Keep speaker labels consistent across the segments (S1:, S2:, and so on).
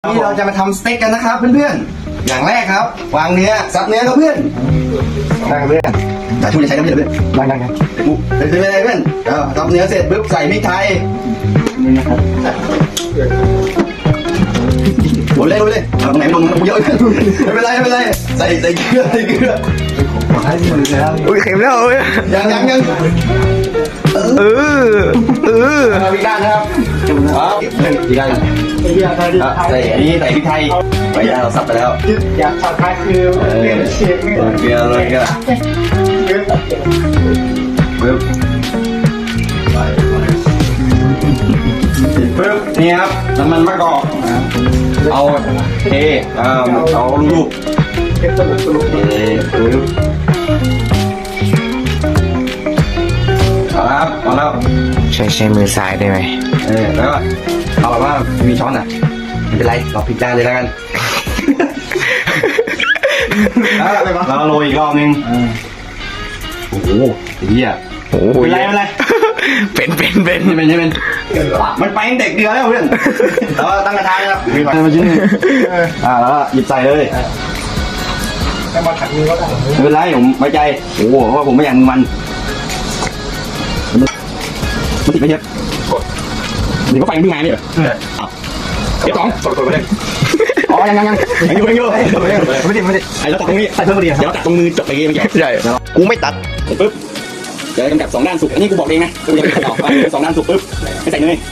S1: นี่เราจะมาทำสเต็กกันนะครับเพื่อนๆอย่างแรกครับวางเนื้อซับเนื้อครับเพื่อนได้ครับเพื่อนแต่ช่วยจะใช้น้ำเยอะเพื่อนได้เป็นอะไรเพื่อนซับเนื้อเสร็จปุ๊บใส่พริกไทยนี่นะครับโดนเลยตรงไหนโดนเยอะไม่เป็นไรใส่เกลือ
S2: อุ้ยเข็มแล้วเอ้ย
S1: ยังพริกด้านนะครับพริกด้านใส่อันนี้ใส่พริกไทยไปด้านเราสับไปแล้ว
S3: อยากสับไทยคือเปลี่ยนเชฟ
S1: เกลือปึ๊บนี่ครับน้ำมันมะกอกเอาเทเอาลูกปึ๊บครับมาแล้ว
S2: ใช้มือซ้ายได้ไหม
S1: แล้วก็เอาแบบว่ามีช้อนอ่ะไม่เป็นไรเราพลิกด้านเลยแล้วกันแล้วโรยอีกรอบนึงโอ้โหเหี้ยเป็นไร
S2: เป็น
S1: มันไปเด็กเดือแล้วเพื่อนแต่ว่าตั้งกระทะนะครับมีไฟมาชิ้นนึงแล้วหยิบใส่เลย
S3: แต่มาขัดมือก็ได้
S1: ไม่เป็นไรผมไว้ใจโอ้โหเพราะผมไม่อยากมันติดไม่เยอะนี่ก็ไฟมันไงนี่เหรอเดี๋ยว2ไปเลยยังอยู่ไม่ไอ้เราตัดตรงนี้ใส่เพิ่มเดียวเดี๋ยวตัดตรงมือจบไปไม่ใช่
S2: กูไม่ตัด
S1: ปึ๊บเดี๋ยวกำจัด2 ด้านสุกอันนี้กูบอกเองนะกูยังไม่ต่อไป2 ด้านสุกปึ๊บไม่ใส่เนย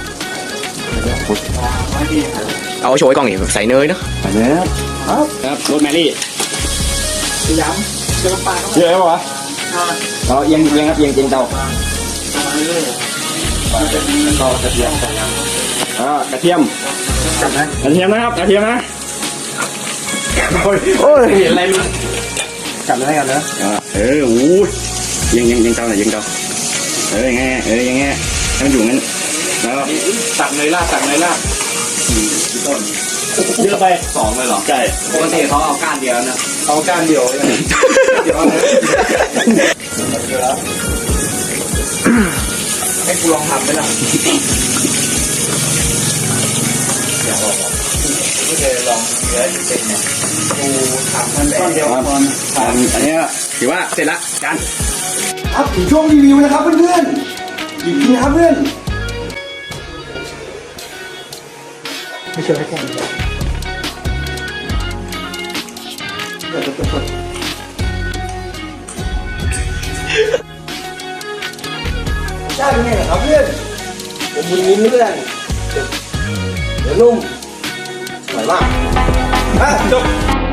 S2: เอาโชยกล่องนี่ใส่เนยเนาะ
S1: ใส่เนยครับโรสแมรี่
S3: ย้ำเจอปลา
S1: เยอะไหมวะเราเอียงครับเอียงเตาต่อกระเทียมกระเทียมนะครับกระเทียมนะโอ้ยเห็นอะไรมั้ยกัดเลยนะโอ้ยยังเตาหน่อยยังเตายังไงให้มันอยู่งั้นแล้ว
S3: ตักเลยลาดต้นเยอะไป2เลยเหรอ
S1: ใช่
S3: ปกติเขาเอาก้านเดียวนะเอาก้านเดียวให้กูลองทำไหมล่ะอยากลองไม่เคยลองเนื้อเป็นเนี่ยกูทำมันแบบเดียว
S1: อันนี้ถือว่าเสร็จละจาน
S4: ครับถึงช่วงรีวิวนะครับเพื่อนๆอีกทีนะครับเพื่อน
S3: ไม่เชื่อให้แค่
S4: ได้ไงครับเพื่อนผมบุญยิ้มเพื่อนเดี๋ยวนุ่มสวยมาก
S1: จบ